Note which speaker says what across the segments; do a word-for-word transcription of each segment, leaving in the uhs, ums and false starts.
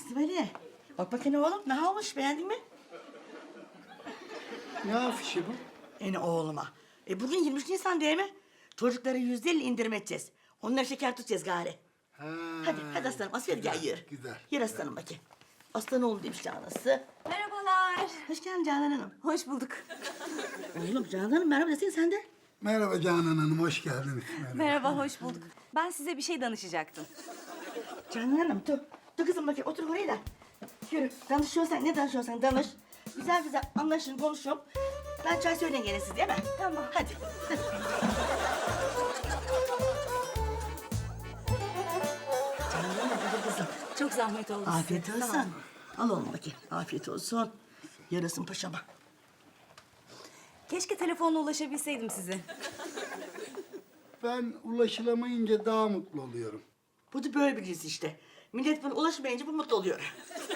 Speaker 1: İsmail'e bak bakayım oğlum ne olmuş beğendin mi?
Speaker 2: Ne afişi bu?
Speaker 1: Yani oğluma. E bugün yirmi üç Nisan değil mi? Çocuklara yüzde elli indirim edeceğiz. Onlara şeker tutacağız gari.
Speaker 2: Ha,
Speaker 1: Hadi hadi aslanım asıl gel
Speaker 2: güzel,
Speaker 1: yürü.
Speaker 2: güzel,
Speaker 1: Yürü aslanım bakayım. Aslan oğlu demiş Canan'sı.
Speaker 3: Merhabalar.
Speaker 1: Hoş geldin Canan Hanım.
Speaker 3: Hoş bulduk.
Speaker 1: Oğlum Canan Hanım merhaba desene sen de.
Speaker 2: Merhaba Canan Hanım, hoş geldiniz. Merhaba.
Speaker 3: Merhaba, hoş bulduk. Ben size bir şey danışacaktım.
Speaker 1: Canan Hanım dur. Dur kızım bakayım otur oraya da. Yürü danışıyorsan ne danışıyorsan danış. Güzel güzel anlaşın konuşun. Ben çay söyleyin gene siz değil mi?
Speaker 3: Tamam.
Speaker 1: Hadi. Canan Hanım hadi kızım.
Speaker 3: Çok zahmet oldu
Speaker 1: Afiyet
Speaker 3: size.
Speaker 1: olsun.
Speaker 3: Tamam.
Speaker 1: Al oğlum bakayım. Afiyet olsun. Yarasın paşama.
Speaker 3: Keşke telefonla ulaşabilseydim size.
Speaker 2: Ben ulaşılamayınca daha mutlu oluyorum.
Speaker 1: Bu da böyle bir cins işte. Millet buna ulaşmayınca bu mutlu oluyor.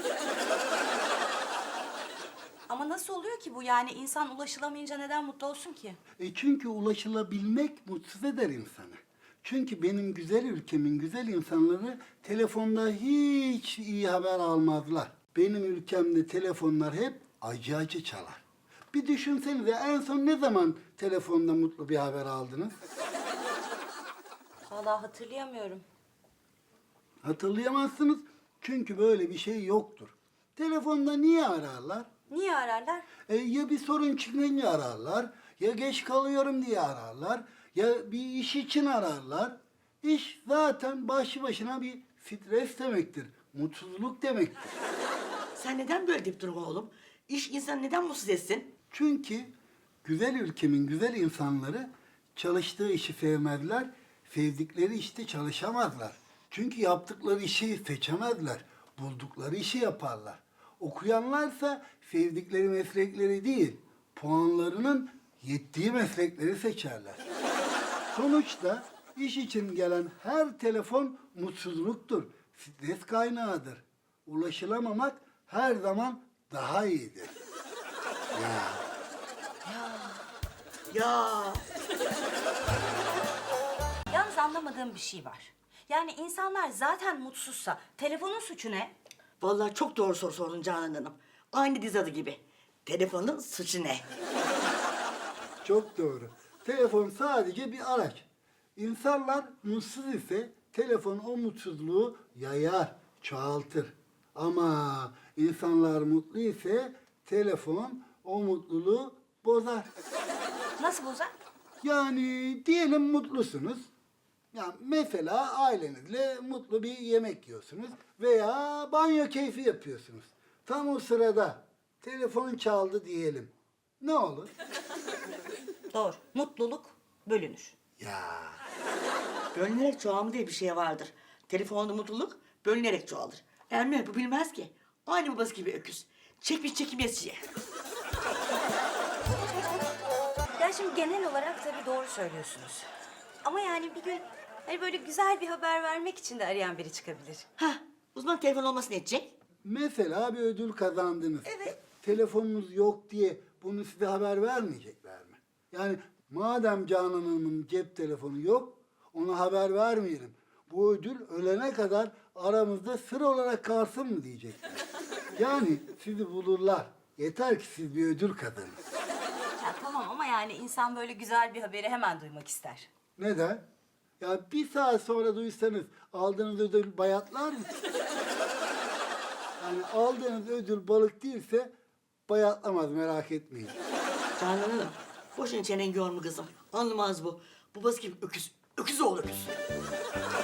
Speaker 3: Ama nasıl oluyor ki bu? Yani insan ulaşılamayınca neden mutlu olsun ki?
Speaker 2: E çünkü ulaşılabilmek mutsuz eder insanı. Çünkü benim güzel ülkemin güzel insanları telefonda hiç iyi haber almazlar. Benim ülkemde telefonlar hep acı acı çalar. Bir düşünsenize en son ne zaman telefonda mutlu bir haber aldınız?
Speaker 3: Vallahi hatırlayamıyorum.
Speaker 2: Hatırlayamazsınız çünkü böyle bir şey yoktur. Telefonda niye ararlar?
Speaker 3: Niye ararlar?
Speaker 2: E, ya bir sorun çıkınca ararlar, ya geç kalıyorum diye ararlar, ya bir iş için ararlar. İş zaten başlı başına bir stres demektir, mutsuzluk demektir.
Speaker 1: Sen neden böyle deyip durma oğlum? İş insanı neden mutsuz etsin?
Speaker 2: Çünkü güzel ülkemin güzel insanları çalıştığı işi sevmezler, sevdikleri işte çalışamazlar. Çünkü yaptıkları işi seçemezler, buldukları işi yaparlar. Okuyanlarsa sevdikleri meslekleri değil, puanlarının yettiği meslekleri seçerler. Sonuçta iş için gelen her telefon mutsuzluktur, stres kaynağıdır. Ulaşılamamak her zaman daha iyidir. Ya.
Speaker 1: Ya
Speaker 3: Yalnız anlamadığım bir şey var. Yani insanlar zaten mutsuzsa telefonun suçu ne?
Speaker 1: vallahi çok doğru soru sordun Canan Hanım. Aynı diz adı gibi. Telefonun suçu ne?
Speaker 2: Çok doğru. Telefon sadece bir araç. İnsanlar mutsuz ise telefon o mutsuzluğu yayar, çoğaltır. Ama insanlar mutlu ise telefon o mutluluğu bozar.
Speaker 3: Nasıl bozar?
Speaker 2: Yani diyelim mutlusunuz. Ya mesela ailenizle mutlu bir yemek yiyorsunuz veya banyo keyfi yapıyorsunuz. Tam o sırada telefon çaldı diyelim. Ne olur?
Speaker 3: Doğru. Mutluluk bölünür.
Speaker 2: Ya
Speaker 1: Bölünerek çoğalma diye bir şey vardır. Telefonda mutluluk bölünerek çoğalır. Ermeni bu bilmez ki. Aynı babası gibi öküz. Çekmiş çekimesiye.
Speaker 3: Ya şimdi genel olarak tabii doğru söylüyorsunuz. Ama yani bir gün hani böyle güzel bir haber vermek için de arayan biri çıkabilir.
Speaker 1: Ha, uzman telefon olması ne edecek?
Speaker 2: mesela bir ödül kazandınız.
Speaker 1: Evet.
Speaker 2: Telefonunuz yok diye bunu size haber vermeyecekler mi? Yani madem Canan Hanım'ın cep telefonu yok, ona haber vermeyelim. Bu ödül ölene kadar aramızda sır olarak kalsın mı diyecekler. Yani sizi bulurlar. Yeter ki siz bir ödül kazanın.
Speaker 3: Ya tamam ama yani insan böyle güzel bir haberi hemen duymak ister.
Speaker 2: Neden? Ya bir saat sonra duysanız aldığınız ödül bayatlar mı? Yani aldığınız ödül balık değilse bayatlamaz, merak etmeyin.
Speaker 1: Canan Hanım, boşuna çenen yorma kızım. Anlamaz bu. Babası gibi öküz. Öküz oğlu öküz.